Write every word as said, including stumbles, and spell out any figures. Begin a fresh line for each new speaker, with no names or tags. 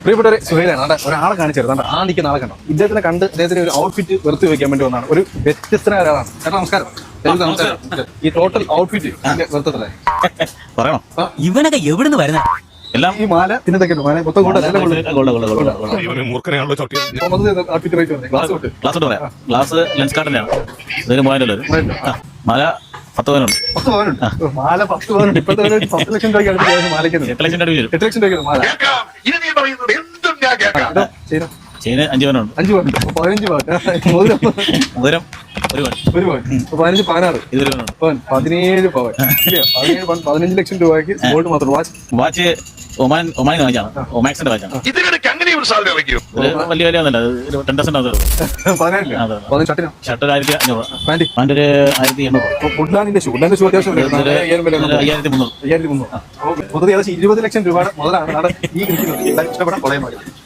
പ്രിയപ്പെട്ടവരെ സുഹൈലാണ് ഒരാളെ കാണിച്ചിരുന്നു ആ നിൽക്കുന്ന ആളെ കണ്ടോ. ഇദ്ദേഹത്തിനെ കണ്ട് അദ്ദേഹത്തിന് ഒരു ഔട്ട്ഫിറ്റ് വെറുതെ വെക്കാൻ വേണ്ടി വന്നതാണ്. ഒരു വ്യത്യസ്തനായ ഒരാളാണ്. ചേട്ടാ നമസ്കാരം. നമസ്കാരം. ഈ ടോട്ടൽ ഔട്ട്ഫിറ്റ് വെറുതെ
പറയണോ? ഇവനൊക്കെ എവിടുന്ന് വരുന്ന എല്ലാം
ഈ മാല പിന്നത്തെ മാല മൊത്തം കൊണ്ട്
ഗ്ലാസ് പറയാം. ഗ്ലാസ് ലെൻസ് കാർഡിന്റെയാണ്. ഇതൊരു മൂവായിരം മാല പത്ത് പവനുണ്ട്.
പത്ത് പവനുണ്ട്. മാല പത്ത് പവനുണ്ട്. ഇപ്പോഴത്തെ പത്ത് ലക്ഷം രൂപയ്ക്ക് മാലയ്ക്ക്
എട്ട് ലക്ഷം രൂപ വരും.
എട്ട് ലക്ഷം രൂപയ്ക്ക് മാല.
ചെയിന് അഞ്ച് പവനുണ്ട്.
അഞ്ച് പവനുണ്ട്. പതിനഞ്ച് പവൻ. മോതിരം
മോതിരം ഒരു പവൻ.
ഒരു പവൻ. പതിനഞ്ച് പതിനാറ്
ഇതൊരു
പവൻ. പതിനേഴ് പവൻ. പതിനേഴ് പവൻ. പതിനഞ്ച് ലക്ഷം രൂപയ്ക്ക് ഗോൾഡ് മാത്രം. വാച്ച്
വാച്ച് ഒമാൻ ഒമാനിൽ വാങ്ങിച്ചാണ്. ഒമാക്സിന്റെ വാച്ചാണ്. വലിയ വില ഒന്നല്ല. ഒരു ടെൻ പെർസെന്റ്
ഷർട്ടിനോ
ഷർട്ട് ഒരു ആയിരത്തി അഞ്ഞൂറ്.
പാന്റ്
പാന്റ് ഒരു ആയിരത്തി എണ്ണൂറ്.
വുഡ്ലാൻഡിന്റെ ഷൂ. വുഡ്ലാൻഡിന്റെ ഷൂ അത്യാവശ്യം
അയ്യായിരത്തി മുന്നൂറ്.
അയ്യായിരത്തി മുന്നൂറ്. മൊത്തത്തിൽ ഏകദേശം ഇരുപത് ലക്ഷം രൂപയുടെ മുതലാണ് ഈ ഇരിക്കുന്നത്. ഇഷ്ടപ്പെടാൻ കൊള്ളയും